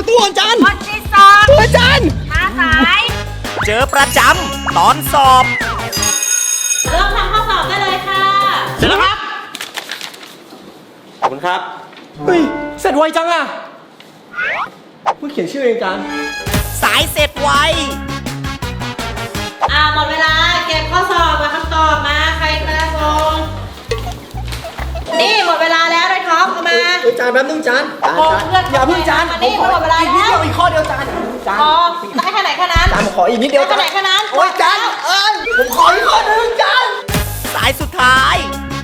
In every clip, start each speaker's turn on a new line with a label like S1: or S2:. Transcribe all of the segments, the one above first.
S1: ประตูอาจารย์
S2: คนที่สอง
S1: อาจารย์
S2: มาสาย
S3: เจอประจำตอนสอบ
S2: เริ่มทำข้อสอบได้เลยค่ะ
S3: เสร็จแล้วครับ ขอบคุณครับ
S1: เฮ้ยเสร็จไวจังอะเพิ่งเขียนชื่อเองอาจารย์
S3: สายเสร็จไว
S2: หมดเวลาเก็บข้อสอบมาคำตอบมาใครกระส่งนี่หมดเวลาแล้วเลยท็อปเอามา
S1: อาจารย์แป๊บนึงอาจารย์
S2: โอ้เพื่อน
S1: อย่าเพิ่งอาจารย์
S2: มานี่
S1: ผมขอ
S2: หมดเวลา
S1: อีกนิด
S2: แล้ว
S1: เดียวอีกข้อเดียวอาจารย์อาจารย์
S2: พอได้แค่ไหนแค่นั้น
S1: อาจารย์ผมขออีกนิดเดียว
S2: ได้แค่ไหนแค่นั้น
S1: โอ้ยอาจารย์ผมขออีกข้อหนึ่งอาจารย์
S3: สายสุดท้าย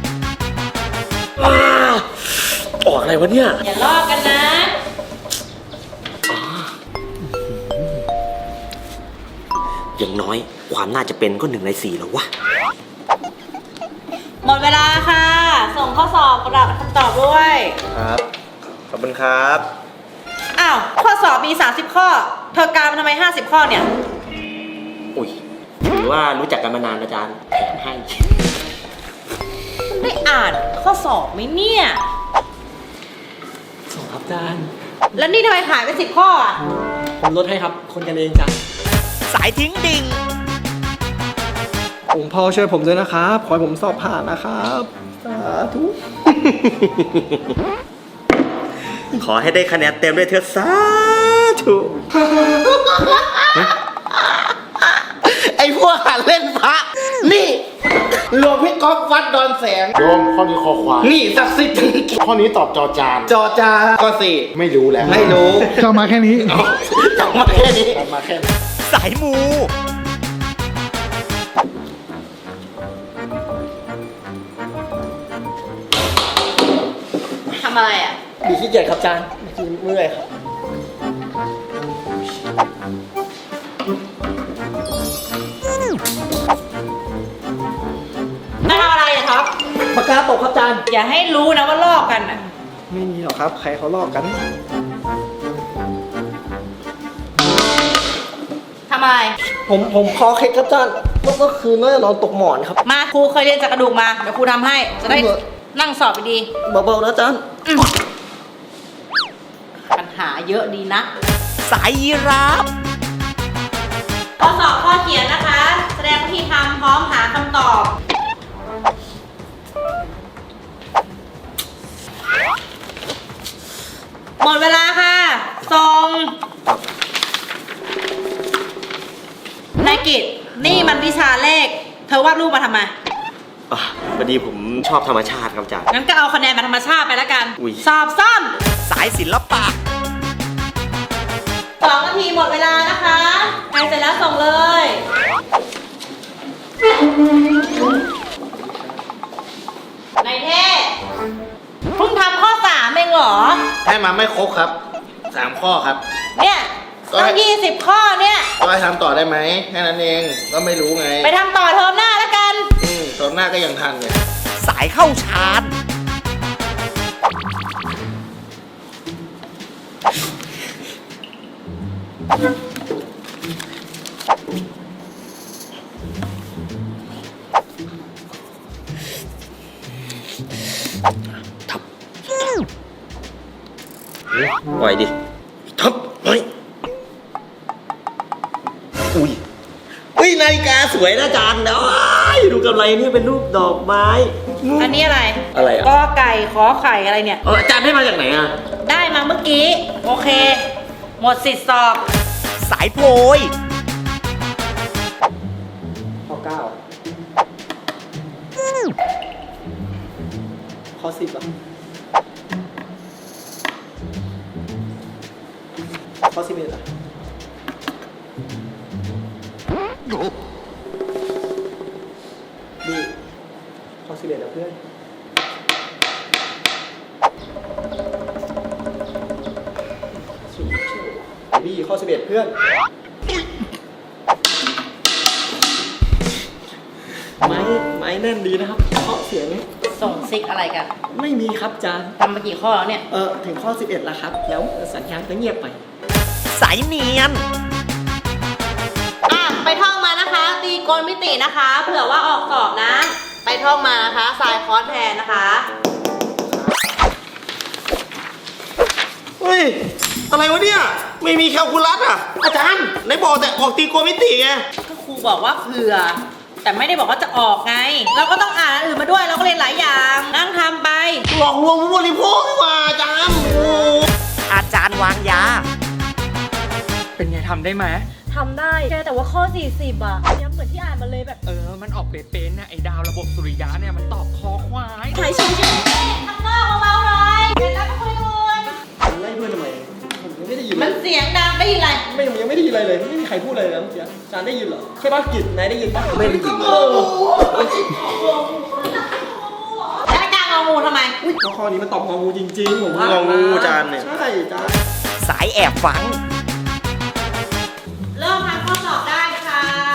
S1: ออกอะไรวะเนี่ย
S2: อย่าลอกกันนะ
S3: อย่างน้อยความน่าจะเป็นก็1 ใน 4แล้ววะ
S2: หมดเวลาค่ะ ส่งข้อสอบกระดาษคำตอบด้วย
S1: ครับ ขอบคุณครับ
S2: อ้าวข้อสอบมี30ข้อเธอกามาทำไม50ข้อเนี่ย
S3: อุ้ยถือว่ารู้จักกันมานานอาจารย์แถมให้
S2: ได้อ่านข้อสอบไหมเนี่ย
S1: ส่งครับอาจารย์
S2: แล้วนี่ทำไมหายไป10ข้ออ่ะ
S1: ผมลดให้ครับ คนกันเองจ้ะ
S3: สายทิ้งดิ่ง
S1: องค์พ่อช่วยผมด้วยนะครับ ขอให้ผมสอบผ่านนะครับ สาธุ
S3: ขอให้ได้คะแนนเต็มด้วยเถอะสาธุ
S4: ไอ้พวกหัดเล่นพระ นี่หลวงพี่ก๊อฟวัดดอนแสง
S5: โยมข้อนี้คอควาย
S4: นี่ศักดิ์สิทธิ์
S5: ข้อนี้ตอบจอจาน
S4: จอจาก็สี่
S5: ไม่รู้แล้ว
S4: ไม่รู้
S5: จำมาแค่นี้
S4: จำมาแค่นี้
S5: จำมาแค่นี้
S3: สายมู
S2: ทำอะไรอ่ะ
S1: มีขี้เกียจครับอาจารย์เมื่อยครับ
S2: ไม่ทำอะไรอ่ะท็อป
S1: ปากกาตกครับอาจารย์
S2: อย่าให้รู้นะว่าลอกกันอ่ะ
S1: ไม่มีหรอกครับ ใครเขาลอกกัน
S2: ทำอะไร
S1: ผมคอเคล็ดครับอาจารย์ก็คือน่าจะนอนตกหมอนครับ
S2: มาครูเคยเรียนจากกระดูกมา เดี๋ยวครูทำให้ จะได้นั่งสอบไปดี
S1: เบาๆนะอาจารย์
S2: ปัญหาเยอะดีนะ
S3: สายยีราฟ
S2: ข้อสอบข้อเขียนนะคะ แสดงวิธีทำพร้อมหาคำตอบ หมดเวลาค่ะส่งนายกิตนี่มันวิชาเลข เธอวาดรูปมาทำไม
S3: พอดีผมชอบธรรมชาติครับอาจารย์
S2: งั้นก็เอาคะแนนมาธรรมชาติไปแล้วกัน
S3: อุ๊ย
S2: สอบซ่อม
S3: สายศิลปะ
S2: 2 นาทีหมดเวลานะคะใครเสร็จแล้วส่งเลยนายเท่เพิ่งทำข้อ3เองเหรอ
S4: ให้มาไม่ครบครับ3ข้อครับ
S2: เนี่ยต้อง20 ข้อเนี่ย
S4: ก็ให้ทำต่อได้ไหมแค่นั้นเองก็ไม่รู้ไง
S2: ไปทำต่อเทอมหน้าแล้วกัน
S4: ตอนหน้าก็ยังทันเนี่ย
S3: สายเข้าชาร์จ ทับปล่อยดิ ทับเฮ้ยอุ้ยเฮ้ยนาฬิกาสวยนะอาจารย์นะดูกำไรนี่เป็นรูปดอกไม้
S2: อันนี้อะไร
S3: อะไรอ่ะ
S2: กอไก่ขอไข่อะไรเนี่ย
S3: อาจารย์ให้มาจากไหนอ่ะ
S2: ได้มาเมื่อกี้ โอเค หมดสิทธิ์สอบ
S3: สายโพย
S1: ข้อ9ข้อ10อ่ะข้อ11อ่ะนี่ข้อ11นะเพื่อนบี้ข้อ11เพื่อนไม้แน่นดีนะครับเคาะเสียง
S2: ส่งซิกอะไรกัน
S1: ไม่มีครับอาจารย์
S2: ทำมากี่ข้อแล้วเนี่ย
S1: ถึงข้อ 11 แล้วครับ แล้วสัญญาณก็เงียบไป
S3: สายเนียน
S2: ไปท่องมานะคะ ตีโกณมิตินะคะ เผื่อว่าออกสอบนะ ไปท่องมานะคะสายคอร์สแทนนะคะ
S1: เฮ้ย อะไรวะเนี่ย
S3: ไม่มีแคลคูลัสอ่ะ อาจารย์ไหนบอกแต่ออกตรีโกณมิติไง
S2: ก็ครูบอกว่าเผื่อ แต่ไม่ได้บอกว่าจะออกไง เราก็ต้องอ่านอันอื่นมาด้วย เราก็เรียนหลายอย่าง นั่งทำไป
S3: หลอกลวงผู้บริโภคนี่หว่าอาจารย์โอ้
S4: อาจารย์วางยา
S1: เป็นไงทำได้ไหม
S6: ทำได้แกแต่ว่าข้อ 40อ่ะย้ำเหมือนที่อ่านมาเลยแบบ
S1: มันออกเป๊ะๆนะไอ้ดาวระบบสุริยะเนี่ยมันตอบคอควาย
S6: ใช่ใช่ใช่
S2: ข้างนอกเบาๆหน่อยเดี๋ยวเราไปคุยกัน
S1: ไล่เพื่อนทำไมผมยังไม่ได้ยิน
S2: มันเสียงดังได้ยินอะไร
S1: ไม่ยังไม่ได้ยินอะไรเลยไม่มีใครพูดอะไรเลยนะเมื่อกี้อาจารย์ได้ยินเหรอใช่ป่ะกิจนายได้ยินป่ะ
S3: ไม่ได้ยินเลย
S2: แล้วอาจารย์งองูทำไม
S1: ข้อนี้มันตอบงองูจริงๆผมว่า
S3: งองูอาจารย์เนี่ย
S1: ใช่อาจารย์
S4: สายแอบฟัง
S2: เริ่มทำข้อสอบได้ค่ะ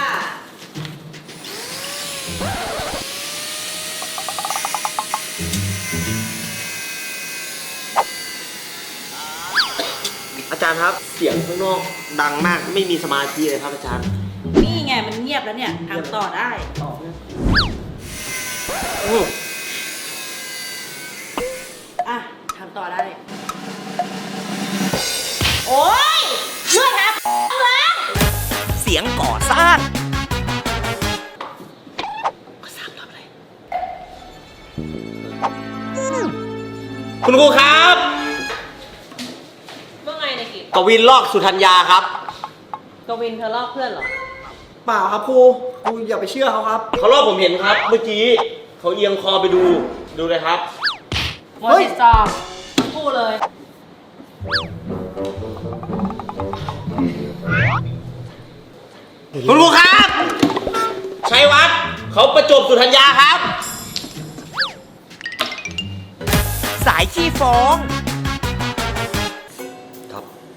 S3: อาจารย์ครับ เสียงข้างนอกดังมากไม่มีสมาธิเลยครับอาจารย์
S2: นี่ไงมันเงียบแล้วเนี่ยทำต่อได้
S1: ตอบเนี่ย
S2: อ่ะทำต่อได้ โอ๊ยเลื่อนครับแล้ว
S4: เสียงก่อสร้าง
S3: คุณครูครับ
S2: เมื่อไงในกิจ
S3: กวินลอกสุธัญญาครับ
S2: กวินเธอลอกเพื่อนเหรอ
S1: เปล่าครับครูอย่าไปเชื่อเขาครับ
S3: เขาลอกผมเห็นครับ เมื่อกี้เขาเอียงคอไปดูเลยครับ
S2: หมดสิทธิ์สอบพูดเลย
S3: คุณครูครับ ชัยวัฒน์เขาประจบสุธัญญาครับ
S4: สายขี้ฟ้อง
S3: ครับ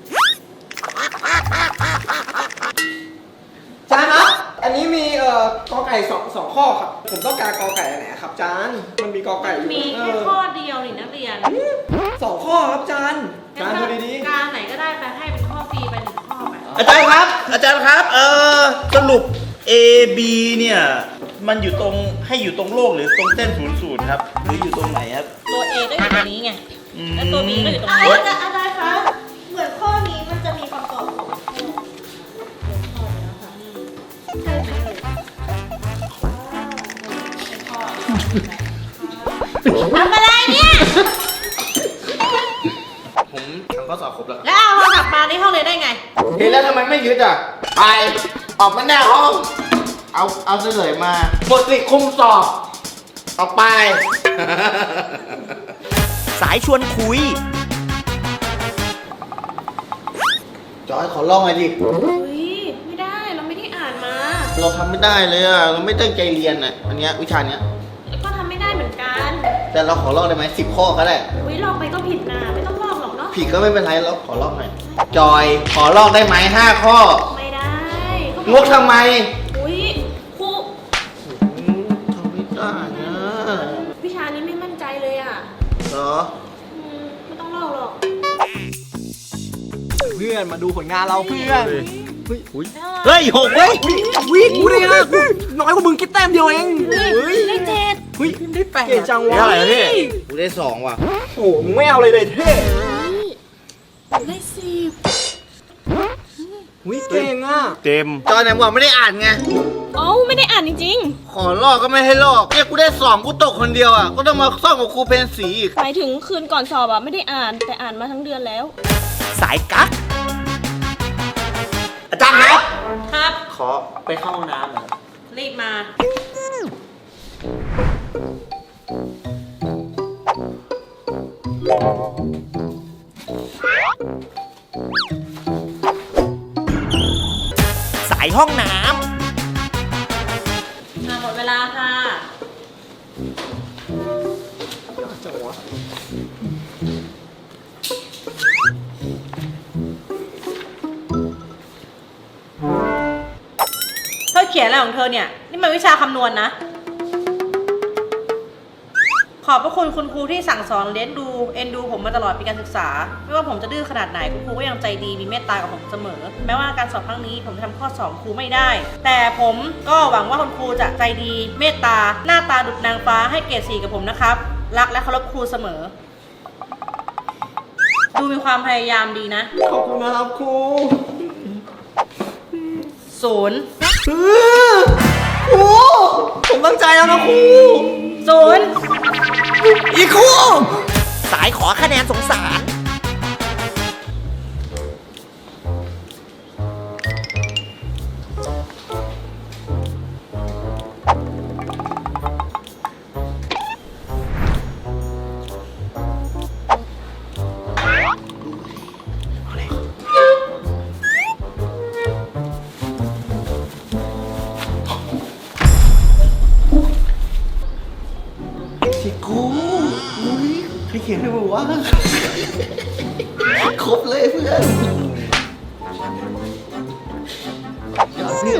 S1: อาจารย์ครับอันนี้มีกอไก่สองข้อครับผมต้องการกอไก่อันไหนครับอาจารย์มันมีกอไก่อยู่
S2: มีแค่ข้อเดียวนี่นักเรียน
S1: สองข้อครับอาจารย์อาจารย์ดูดี
S2: การไหนก็ได้ไปให้เป็นข้อฟรีไปหนึ่งข้อไป
S3: อาจารย์ครับ อาจารย์ครับ สรุป A B เนี่ยมันอยู่ตรงให้อยู่ตรงโลกหรือตรงเส้น00ครับหรืออยู่ตรงไหนครับ
S2: ตัว A ก็อยู่ตรงนี้ไง แล้วตัว B ก็อยู่ตรง
S6: อะไร
S2: นี้
S6: จะอะไรคะ เหมือนข้อนี้มันจะมีคำตอบของ
S2: ทำอะไรเนี่ย
S3: ผมทำข้อสอบครบแล้ว
S2: แล้วเอาโทรศัพท์มาในห้องเรียนได้ไง
S4: เห็นแล้วทำไมไม่ยึดอ่ะ ไป ออกมาหน้าห้อง เอาเฉลยมาหมดสิทธิ์คุมสอบ ออกไป สายชวนคุย จอยขอลองหน่อยดิ
S6: เฮ้ย ไม่ได้ เราไม่ได้อ่านมา
S4: เราทำไม่ได้เลยอ่ะ เราไม่ตั้งใจเรียนอ่ะ อันเนี้ยวิชาเนี้ย
S6: ก็ทำไม่ได้เหมือนกัน
S4: แต่เราขอลอกได้ไหม10 ข้อก็ได้
S6: อุ้ยลองไปก็ผิดนะไม่ต้องลอกหรอกเนาะ
S4: ผิดก็ไม่เป็นไรเราขอลอกหน่อย จอย ขอลอกได้ไหม5 ข้อ
S6: ไม่ได้ก็
S4: งกทำไม
S6: อุ้ยครู
S4: ทำไม่ได้นะ
S6: วิชานี้ไม่มั่นใจเลยอ่ะ
S4: เหรอ
S6: ไม่ต้องลอกหรอก
S1: ๆเพื่อนมาดูผลงานเราเพื่อน
S3: เฮ้ยหกเว้ย
S1: วิ่งกูได้นะกูน้อยกว่ามึงคิดแต้มเดียวเอง
S6: ได้เจ็ด
S1: เฮ้ยได้แปดเก่งจังวะ
S3: ได้เท่าไหร่แล้วพี่
S4: กูได้2 ว่ะ
S1: โอ้โหมึงไม่เอาเลยเท่
S6: ได้สิบ
S1: วิเก่งอ่ะ
S3: เต็ม
S4: จอยไหนบอกไม่ได้อ่านไง
S6: เอ้าไม่ได้อ่านจริง
S4: ขอลอกก็ไม่ให้ลอกเนี่ยกูได้2กูตกคนเดียวอ่ะ ก็ต้องมาซ่อมกับครูเพนสีอีก
S6: ๆหมายถึงคืนก่อนสอบอ่ะไม่ได้อ่านแต่อ่านมาทั้งเดือนแล้ว
S4: สายกั๊ก
S3: อาจารย์ครับ
S2: ครับ
S3: ขอไปเข้าห้องน้ำหน่อย
S2: รีบมา
S4: สายห้องน้
S2: หมดเวลาค่ะ
S1: จังวะ
S2: เธอเขียนอะไรของเธอเนี่ย นี่มันวิชาคำนวณนะ ขอบพระคุณคุณครูที่สั่งสอนเลี้ยงดูเอ็นดูผมมาตลอดปีการศึกษา ไม่ว่าผมจะดื้อขนาดไหนคุณครูก็ยังใจดีมีเมตตากับผมเสมอ แม้ว่าการสอบครั้งนี้ผมจะทำข้อสอบครูไม่ได้ แต่ผมก็หวังว่าคุณครูจะใจดีเมตตาหน้าตาดุจนางฟ้าให้เกรด 4กับผมนะครับ รักและเคารพครูเสมอดูมีความพยายามดีนะ
S1: ขอบคุณนะครับครู
S2: 0
S1: ครูผมตั้งใจแล้วนะครู
S2: 0
S1: อีกครู
S3: สายขอคะแนนสงสาร
S1: สิครูอุ้ยใครเขียนให้มึงวะครบเลยเพื่อนเดี๋ยวเพื่อน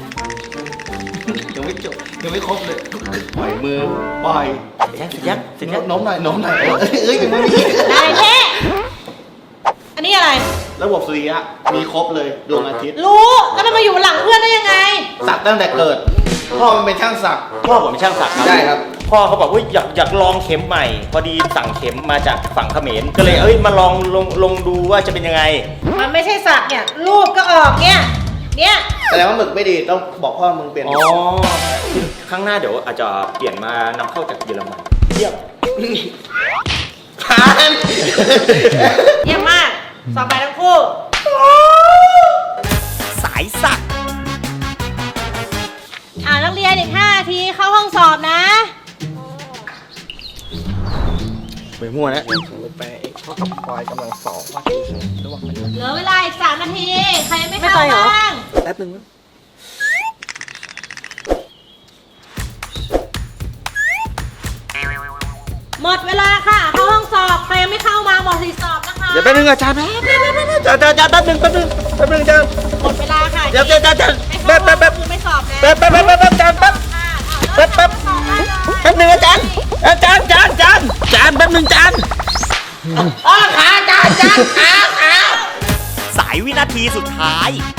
S1: ยังไม่จบยังไม่ครบเลยปล่อยมือปล่อย
S3: เสร็จยัง
S1: โน้มหน่อยโน้มหน่อยยังไม่มี
S2: นายเท่อันนี้อะไร
S1: ระบบสุริยะมีครบเลยดวงอาทิตย์
S2: รู้แล้วมันมาอยู่หลังเพื่อนได้ยังไง
S1: สักตั้งแต่เกิดพ่อมันเป็นช่างสัก
S3: พ่อผมเป็นช่างสักครับ
S1: ได้ครับ
S3: พ่อเขาบอกว่าอยากลองเข็มใหม่ พอดีสั่งเข็มมาจากฝั่งเขมรก็เลยมาลองลงดูว่าจะเป็นยังไง
S2: มันไม่ใช่สักเนี่ย รูปก็ออกเนี่ย
S1: แสดงว่าหมึกไม่ดีต้องบอกพ่อมึงเปลี่ยน
S3: อ๋อครั้งหน้าเดี๋ยวอาจจะเปลี่ยนมานำเข้าจากเยอรมันเยี่ยม
S1: ทาน
S2: เยี่ยมมาก สอบไปทั้งคู่
S3: สายสัก
S2: นักเรียนอีก5 นาทีเข้าห้องสอบนะ
S3: ไปมั่วนะ
S1: ไปเท่ากับควายกำลังสอบว่าระหว่างมัน
S2: เหลือเวลาอีก3 นาที ใครยังไม่เข้าบ้าง
S1: แป๊บนึงนะ
S2: หมดเวลาค่ะ เข้าห้องสอบ ใครยังไม่เข้ามาหมดสิทธิ์สอบนะคะ
S3: เดี๋ยวแป๊บนึงอาจารย์อาจารย์แป๊บนึงอาจารย์
S2: หมดเวลาค่ะ
S3: เดี๋ยวอาจารย์
S2: ไม่เข้า
S3: แป๊บ
S2: คือไม่สอบนะ
S3: อาจารย์แป๊บนึงอาจารย์อาจารย์แป๊บนึงอาจารย์ขาสายวินาทีสุดท้าย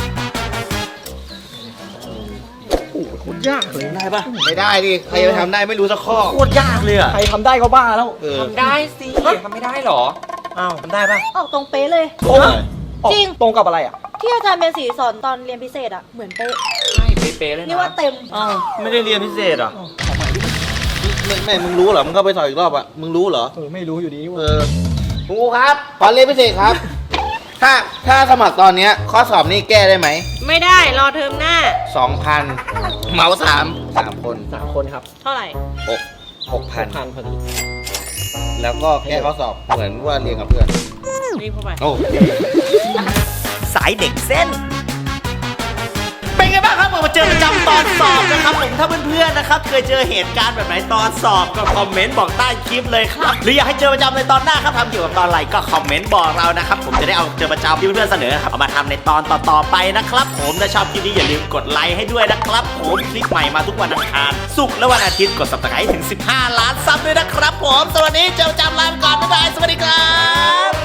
S1: ยากเลยได้ปะไม่ได้ดิใครจะทำได้ไม่รู้สักข้อ
S3: โคตรยากเลยอ่ะ
S1: ใครทำได้ก็บ้าแล้ว
S7: ทำได้สิทำไม่ได้เหรอ
S3: อ้าวทำได้ปะ
S6: ออกตรงเป๊ะเลย
S2: จริง
S1: ตรงกับอะไรอ่ะ
S6: ที่อาจารย์เป็นสีสอนตอนเรียนพิเศษอะเหมือนเป๊ะ
S7: ใช่เป๊ะๆเลยนะ
S6: นี่ว่าเต็ม
S3: อ้าวไม่ได้เรียนพิเศษเหรอ
S1: ไม่มึงรู้เหรอมึงก็ไปสอบอีกรอบอ่ะมึงรู้เหรอไม่รู้อยู่ดีครูครับขอเรียนพิเศษครับ ถ้าสมัครตอนเนี้ยข้อสอบนี่แก้ได้ไหม
S2: ไม่ได้ รอเทอมหน้า
S1: 2,000เหมา3คนครับ
S2: เท่าไหร่
S1: 6,000พอดีแล้วก็แก้ข้อสอบเหมือนว่าเรียนกับเพื่อน
S2: รีบเข้าไป
S1: โอ้
S3: สายเด็กเส้น เป็นไงบ้างครับมาเจอประจำตอนสอบนะครับผมถ้าเพื่อนๆนะครับเคยเจอเหตุการณ์แบบไหนตอนสอบก็คอมเมนต์บอกใต้คลิปเลยครับหรืออยากให้เจอประจำในตอนหน้าครับทำเกี่ยวกับตอนอะไรก็คอมเมนต์บอกเรานะครับผมจะได้เอาเจอประจำที่เพื่อนๆเสนอครับเอามาทำในตอนต่อๆไปนะครับผมถ้าชอบคลิปนี้อย่าลืมกดไลค์ให้ด้วยนะครับผมคลิปใหม่มาทุกวันอังคารศุกร์และวันอาทิตย์กด Subscribe ถึง15 ล้านซับด้วยนะครับผมสวัสดีเจอประจำลาไปก่อนบ๊ายบายสวัสดีครับ